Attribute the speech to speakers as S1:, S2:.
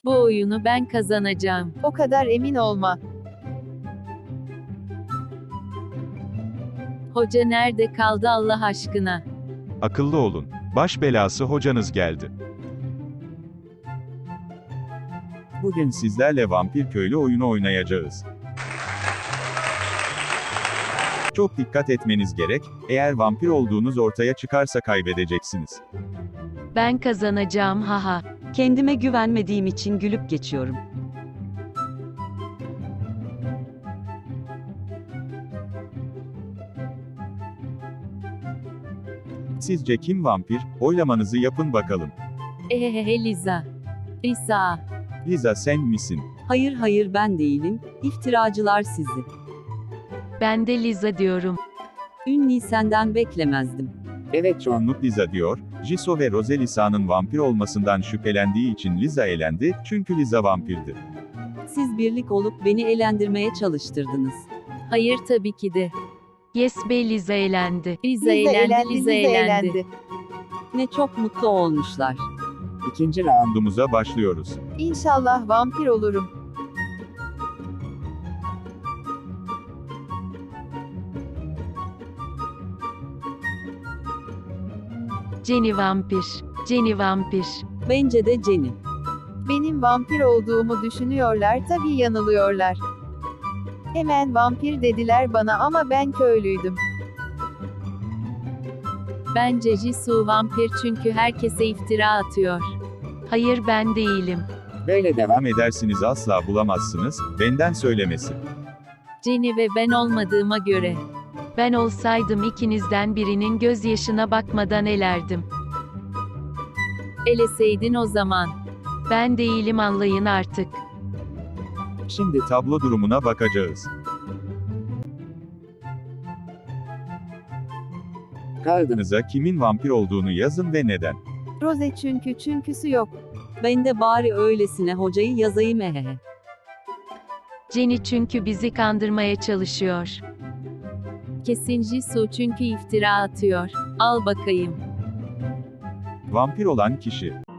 S1: Bu oyunu ben kazanacağım.
S2: O kadar emin olma.
S1: Hoca nerede kaldı Allah aşkına?
S3: Akıllı olun. Baş belası hocanız geldi. Bugün sizlerle vampir köylü oyunu oynayacağız. Çok dikkat etmeniz gerek, eğer vampir olduğunuz ortaya çıkarsa kaybedeceksiniz.
S4: Ben kazanacağım haha.
S5: Kendime güvenmediğim için gülüp geçiyorum.
S3: Sizce kim vampir? Oylamanızı yapın bakalım.
S1: Ehehehe Liza. Lisa.
S3: Liza sen misin?
S5: Hayır hayır ben değilim, iftiracılar sizi.
S4: Ben de Liza diyorum.
S5: Ünlü senden beklemezdim.
S3: Evet çoğunluk Liza diyor, Jisoo ve Rose Lisa'nın vampir olmasından şüphelendiği için Liza elendi, çünkü Liza vampirdi.
S5: Siz birlik olup beni eğlendirmeye çalıştırdınız.
S1: Hayır tabii ki de.
S4: Yes be Liza elendi.
S1: Liza eğlendi, Liza eğlendi.
S5: Ne çok mutlu olmuşlar.
S3: İkinci roundumuza başlıyoruz.
S2: İnşallah vampir olurum.
S4: Jenny vampir. Jenny vampir.
S5: Bence de Jenny.
S2: Benim vampir olduğumu düşünüyorlar, tabii yanılıyorlar. Hemen vampir dediler bana ama ben köylüydüm.
S1: Bence Jisoo vampir çünkü herkese iftira atıyor.
S4: Hayır ben değilim.
S3: Böyle devam edersiniz asla bulamazsınız, benden söylemesi.
S1: Jenny ve ben olmadığıma göre.
S4: Ben olsaydım ikinizden birinin gözyaşına bakmadan elerdim.
S1: Eleseydin o zaman.
S4: Ben değilim anlayın artık.
S3: Şimdi tablo durumuna bakacağız. Kağıdınıza kimin vampir olduğunu yazın ve neden.
S2: Rose çünküsü yok.
S5: Ben de bari öylesine hocayı yazayım ehehe.
S4: Jenny çünkü bizi kandırmaya çalışıyor.
S1: Kesin Jisoo çünkü iftira atıyor. Al bakayım.
S3: Vampir olan kişi.